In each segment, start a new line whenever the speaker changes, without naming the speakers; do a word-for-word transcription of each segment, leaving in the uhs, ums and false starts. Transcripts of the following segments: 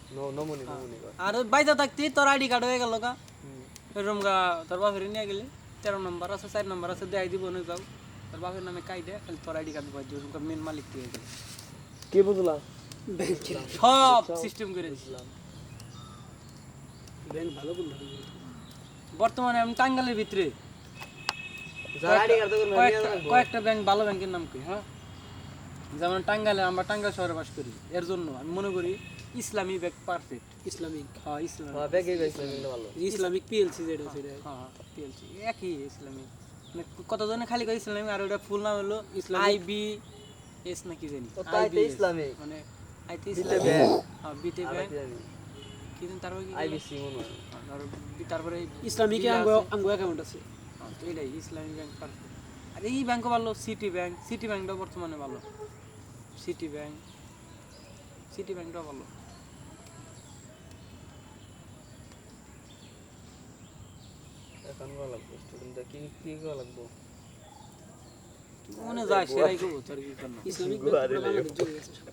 No নমুনি নমুনি কর
আর বাইজা থাকতি তোর আইডি কার্ড হয়ে গেল গা এরকম গা তোর বাপের নিয়ে গেলি তেরো নম্বর আছে চার নম্বর আছে দেয় দিব নই যাও তোর বাপের নামে কাইডে খালি তোর আইডি কার্ড বাদ দিব মেন মালিক তুই গেলি
কে বুঝলা
সব সিস্টেম করে দিছিলাম
ব্যাংক ভালো করলো
বর্তমানে আমি টাঙ্গালের ভিতরে
যার আইডি কার্ড তো
কয়েকটা- কয়েকটা ব্যাংক ভালো ব্যাংকের নাম কি হ্যাঁ যেমন টাঙ্গালে আমরা টাঙ্গাল শহরে বাস করি এর জন্য আমি মনে করি ইসলামী ব্যাংক পারফেক্ট
ইসলামিক
হ্যাঁ ইসলাম
হ্যাঁ ব্যাগে গেছে মিলে ভালো
ইসলামিক পিএলসি যেটা সেটা
হ্যাঁ পিএলসি একই ইসলামী মানে কতজনে খালি করে ইসলামী আর ওটা ফুল নাম হলো
ইসলামিক-
আইবি এস নাকি জানি
ও তাই তো
I B S
ইসলামিক।
মানে আইতে
বিতে
ইসলামিক
ব্যাংক।
হ্যাঁ বিতে
আর
ব্যাংক
কি জানি
কি জানি তারপরে কি
আইবিসি মনে হয়
আর বি- তারপরে
ইসলামিকে
বিল
আঙ্গ
আছে।
আঙ্গ অ্যাকাউন্ট আছে
হ্যাঁ, তো এটাই ইসলামী ব্যাংক পারফেক্ট আর এই ব্যাংকও ভালো সিটি ব্যাংক সিটি ব্যাংকটাও বর্তমানে ভালো সিটি ব্যাংক সিটি ব্যাংকটাও ভালো
এখন ভালো লাগবে স্টুডেন্ট কি কি ভালো লাগবে
মনে যায় সেটাই করবো তোর কি করবো
ইসলামিক
গোয়া
ব্যাংক
দিলে।
বাংলাদেশ চলে গেছে সব।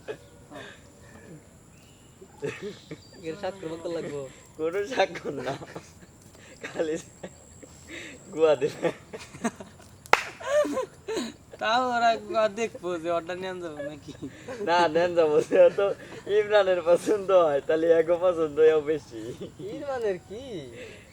এর স্বাক্ষর কত লাগবে কোনো স্বাক্ষর না খালি গুয়া দিলে
তাও ওরা একবার দেখবো যে অর্ডার নিয়ে যাবো নাকি
না নেন যাবো সে তো ইমরানের পছন্দ হয় তাহলে এগো পছন্দ হয় বেশি ইমরানের কি